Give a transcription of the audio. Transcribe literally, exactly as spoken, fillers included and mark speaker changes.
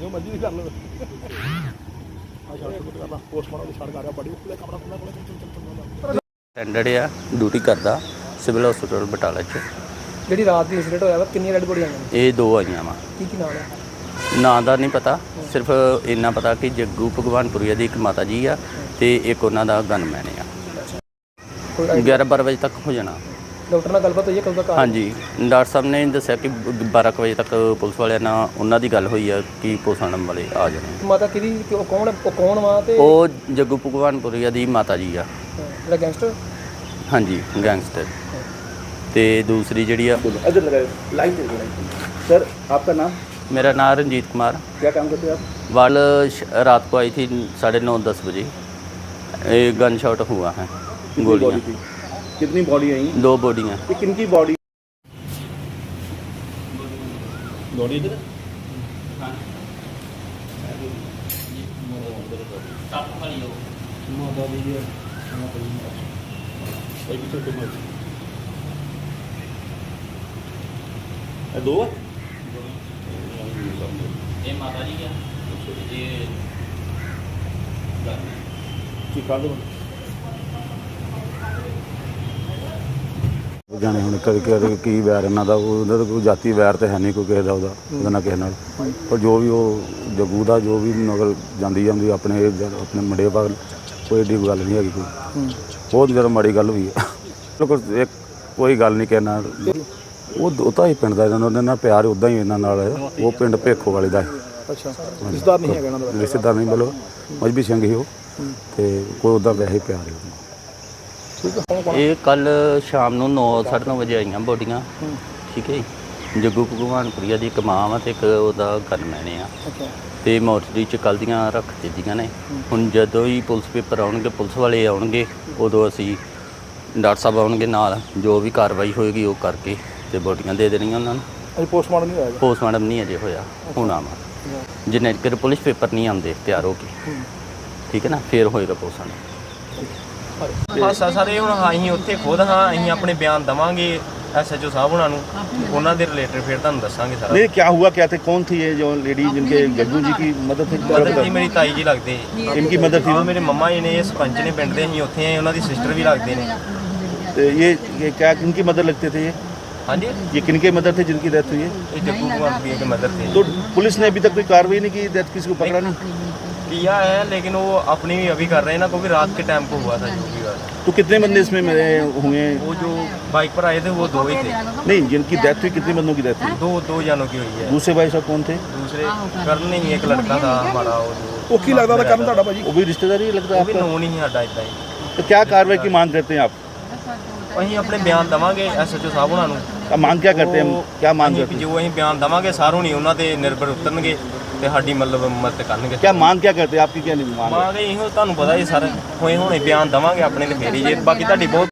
Speaker 1: जो मर्जी भी कर लो पोस्टमार्टम छड़ कर बड़ी कमरा
Speaker 2: ਅਟੈਂਡੈਂਟ ਆ ਡਿਊਟੀ ਕਰਦਾ ਸਿਵਲ ਹਸਪੀਟਲ ਬਟਾਲਾ 'ਚ।
Speaker 3: ਜਿਹੜੀ ਰਾਤ ਦੀ ਇੰਸੀਡੈਂਟ ਹੋਇਆ ਵਾ ਕਿੰਨੀਆਂ ਰੈਡ ਬੋਡੀਆਂ ਆਈਆਂ ਨੇ?
Speaker 2: ਇਹ ਦੋ ਆਈਆਂ ਵਾ।
Speaker 3: ਕੀ ਕੀ ਨਾਮ ਹੈ?
Speaker 2: ਨਾਂ ਦਾ ਨਹੀਂ ਪਤਾ, ਸਿਰਫ ਇੰਨਾ ਪਤਾ ਕਿ ਜੱਗੂ ਭਗਵਾਨਪੁਰੀਆ ਦੀ ਇੱਕ ਮਾਤਾ ਜੀ ਆ ਤੇ ਇੱਕ ਉਹਨਾਂ ਦਾ ਗਨਮੈਨ ਆ।
Speaker 3: ਕੋਈ
Speaker 2: ਗਿਆਰਾਂ ਬਾਰਾਂ ਵਜੇ ਤੱਕ ਹੋ ਜਾਣਾ।
Speaker 3: ਡਾਕਟਰ ਨਾਲ ਗੱਲਬਾਤ ਹੋਈ ਹੈ ਕਦੋਂ ਤੱਕ?
Speaker 2: ਹਾਂਜੀ, ਡਾਕਟਰ ਸਾਹਿਬ ਨੇ ਦੱਸਿਆ ਕਿ ਬਾਰਾਂ ਕੁ ਵਜੇ ਤੱਕ ਪੁਲਿਸ ਵਾਲਿਆਂ ਨਾਲ ਉਹਨਾਂ ਦੀ ਗੱਲ ਹੋਈ ਆ ਕਿ ਪੋਸਟਮਾਰਟਮ ਵਾਲੇ ਆ ਜਾਣੇ।
Speaker 3: ਮਾਤਾ ਕਿਹਦੀ ਕਿ ਉਹ ਕੌਣ ਉਹ ਕੌਣ ਵਾ ਤੇ
Speaker 2: ਉਹ ਜੱਗੂ ਭਗਵਾਨਪੁਰੀਆ ਦੀ ਮਾਤਾ ਜੀ ਆ।
Speaker 3: ਜਿਹੜਾ ਗੈਂਗਸਟਰ?
Speaker 2: ਹਾਂਜੀ, ਗੈਂਗਸਟਰ। ਤੇ ਦੂਸਰੀ ਜਿਹੜੀ ਆ
Speaker 1: इधर लगाए लाइन दे दो सर आपका नाम
Speaker 2: मेरा नाम रंजीत कुमार।
Speaker 1: क्या काम करते हैं आप?
Speaker 2: वाल श- रात को आई थी साढ़े नौ दस बजे। एक गन शॉट हुआ है,
Speaker 1: कितनी
Speaker 2: गोलियां
Speaker 1: बॉडी थी? कितनी बॉडी आई?
Speaker 2: दो बॉडियां।
Speaker 1: ये किनकी बॉडी बॉडी इधर दो है
Speaker 2: ये माता जी क्या ये
Speaker 1: चिका दो
Speaker 4: ਜਾਣੇ ਹੁਣ ਕਦੇ ਕਦੇ ਕੀ ਵੈਰ ਇਹਨਾਂ ਦਾ, ਉਹਦਾ ਤਾਂ ਕੋਈ ਜਾਤੀ ਵੈਰ ਤਾਂ ਹੈ ਨਹੀਂ ਕੋਈ ਕਿਸੇ ਦਾ, ਉਹਦਾ ਉਹਦਾ ਨਾ ਕਿਸੇ ਨਾਲ। ਪਰ ਜੋ ਵੀ ਉਹ ਜੱਗੂ ਦਾ ਜੋ ਵੀ ਨਗਰ ਜਾਂਦੀ ਜਾਂਦੀ ਆਪਣੇ ਆਪਣੇ ਮੁੰਡੇ ਬਾਗ ਕੋਈ ਏਡੀ ਗੱਲ ਨਹੀਂ ਹੈਗੀ, ਕੋਈ ਬਹੁਤ ਜ਼ਿਆਦਾ ਮਾੜੀ ਗੱਲ ਹੋਈ ਹੈ। ਲੋਕ ਇੱਕ ਕੋਈ ਗੱਲ ਨਹੀਂ ਕਿਸੇ ਨਾਲ, ਉਹ ਉਹ ਤਾਂ ਹੀ ਪਿੰਡ ਦਾ ਇਹਨਾਂ ਉਹਦੇ ਨਾਲ ਪਿਆਰ ਉੱਦਾਂ ਹੀ ਇਹਨਾਂ ਨਾਲ ਹੈ। ਉਹ ਪਿੰਡ ਭੇਖੋ ਵਾਲੇ ਦਾ ਹੈ।
Speaker 1: अच्छा रिश्तेदार नहीं है कहना तो
Speaker 4: ਰਿਸ਼ਤੇਦਾਰ ਨਹੀਂ ਬੋਲੋ, ਮਜਬੀ ਸਿੰਘ ਹੀ ਉਹ, ਤੇ ਕੋਈ ਉੱਦਾਂ ਵੈਸੇ ਪਿਆਰ ਹੈ ਉਹਨੂੰ।
Speaker 1: ठीक है
Speaker 2: ਇਹ ਕੱਲ ਸ਼ਾਮ ਨੂੰ ਨੌ ਸਾਢੇ ਨੌ ਵਜੇ ਆਈਆਂ ਬੋਡੀਆਂ। ਠੀਕ ਹੈ ਜੀ, ਜੱਗੂ ਭਗਵਾਨਪੁਰੀਆ ਦੀ ਇੱਕ ਮਾਂ ਵਾ ਤੇ ਇੱਕ ਉਹਦਾ ਗਨਮੈਨ ਆ।
Speaker 1: अच्छा
Speaker 2: ਤੇ ਮੋਰਚਰੀ 'ਚ ਕੱਲ੍ਹ ਦੀਆਂ ਰੱਖ ਦਿੱਤੀਆਂ ਨੇ। ਹੁਣ ਜਦੋਂ ਹੀ ਪੁਲਿਸ ਪੇਪਰ ਆਉਣਗੇ, ਪੁਲਿਸ ਵਾਲੇ ਆਉਣਗੇ, ਉਦੋਂ ਅਸੀਂ ਡਾਕਟਰ ਸਾਹਿਬ ਆਉਣਗੇ ਨਾਲ, ਜੋ ਵੀ ਕਾਰਵਾਈ ਹੋਏਗੀ ਉਹ ਕਰਕੇ ਤੇ ਬੋਡੀਆਂ ਦੇ ਦੇਣੀਆਂ ਉਹਨਾਂ ਨੂੰ।
Speaker 1: अभी पोस्टमार्टम नहीं होएगा
Speaker 2: ਪੋਸਟਮਾਰਟਮ ਨਹੀਂ ਅਜੇ ਹੋਇਆ, ਹੁਣ ਆਵਾ ਜਿੰਨੇ ਚਿਰ ਪੁਲਿਸ ਪੇਪਰ ਨਹੀਂ ਆਉਂਦੇ ਤਿਆਰ ਹੋ ਕੇ, ਠੀਕ ਹੈ ਨਾ, ਫਿਰ ਹੋਏਗਾ ਪੋਸਟਮਾਰਟਮ।
Speaker 5: ਹਾਸਾ ਸਾਰੇ ਹੁਣ ਅਸੀਂ ਉੱਥੇ ਖੁਦ ਹਾਂ, ਅਸੀਂ ਆਪਣੇ ਬਿਆਨ ਦਵਾਂਗੇ ਐਸਐਚਓ ਸਾਹਿਬ ਉਹਨਾਂ ਨੂੰ, ਉਹਨਾਂ ਦੇ ਰਿਲੇਟਡ ਫਿਰ ਤੁਹਾਨੂੰ ਦੱਸਾਂਗੇ ਸਾਰਾ।
Speaker 1: नहीं क्या हुआ क्या थे कौन थी ये जो लेडी जिनके गज्जू जी की मदद थी
Speaker 5: ਮਦਰ ਜੀ ਮੇਰੀ ਤਾਈ ਜੀ ਲੱਗਦੇ।
Speaker 1: इनकी मदद थी
Speaker 5: ਹਾਂ, ਮੇਰੇ ਮੰਮਾ ਜੀ ਨੇ, ਇਹ ਸਰਪੰਚ ਨੇ ਪਿੰਡ ਦੇ, ਅਸੀਂ ਉੱਥੇ ਆਏ, ਉਹਨਾਂ ਦੀ ਸਿਸਟਰ ਵੀ ਲੱਗਦੇ ਨੇ।
Speaker 1: तो ये ये क्या किनकी मदद लगते थे ये
Speaker 5: ਹਾਂਜੀ,
Speaker 1: ये किनके मदद थे जिनकी डेथ हुई है?
Speaker 5: ਇਹ जग्गू कुमार के मदर थे।
Speaker 1: तो पुलिस ने अभी तक कोई कार्रवाई नहीं की, डेथ किसी को पकड़ा नहीं?
Speaker 5: किया है लेकिन वो अपनी भी अभी कर रहे हैं ना, क्योंकि रात के टाइम को हुआ था जो भी हुआ था।
Speaker 1: तो कितने बंदे इसमें मरे हुए?
Speaker 5: वो जो बाइक पर आए थे वो दो ही थे।
Speaker 1: नहीं, जिनकी डेथ हुई कितने बंदों की डेथ हुई?
Speaker 5: दो दो जानों की हुई है।
Speaker 1: दूसरे भाई साहब कौन थे?
Speaker 5: दूसरे करण नहीं, एक लड़का था हमारा, वो जो
Speaker 1: वो की लगता था करण भाजी, वो भी रिश्तेदार ही लगता है
Speaker 5: वो भी
Speaker 1: आपका?
Speaker 5: नोन ही साडा इतना ही।
Speaker 1: तो क्या कार्रवाई की मांग करते हैं आप?
Speaker 5: ਅਸੀਂ ਆਪਣੇ ਬਿਆਨ ਦਵਾਂਗੇ ਐਸਐਚਓ ਸਾਹਿਬ ਉਹਨਾਂ ਨੂੰ।
Speaker 1: अब मांग क्या करते हैं? क्या मांग
Speaker 5: ਅਸੀਂ
Speaker 1: करते हैं?
Speaker 5: ਜੋ ਅਸੀਂ ਬਿਆਨ ਦਵਾਂਗੇ ਸਾਰੋਂ ਨਹੀਂ ਉਹਨਾਂ ਤੇ ਨਿਰਭਰ ਉਤਰਨਗੇ ਤੇ ਸਾਡੀ ਮਤਲਬ ਮਦਦ ਕਰਨਗੇ।
Speaker 1: क्या मांग क्या करते हैं आपकी? क्या नहीं मांग?
Speaker 5: ਮਾਂਗੇ ਇਹੋ ਤੁਹਾਨੂੰ ਪਤਾ ਹੀ ਸਰ, ਹੋਏ ਹੁਣੇ ਬਿਆਨ ਦਵਾਂਗੇ ਆਪਣੇ ਤੇ ਫੇਰ ਹੀ ਜੇ, ਬਾਕੀ ਤੁਹਾਡੀ ਬਹੁਤ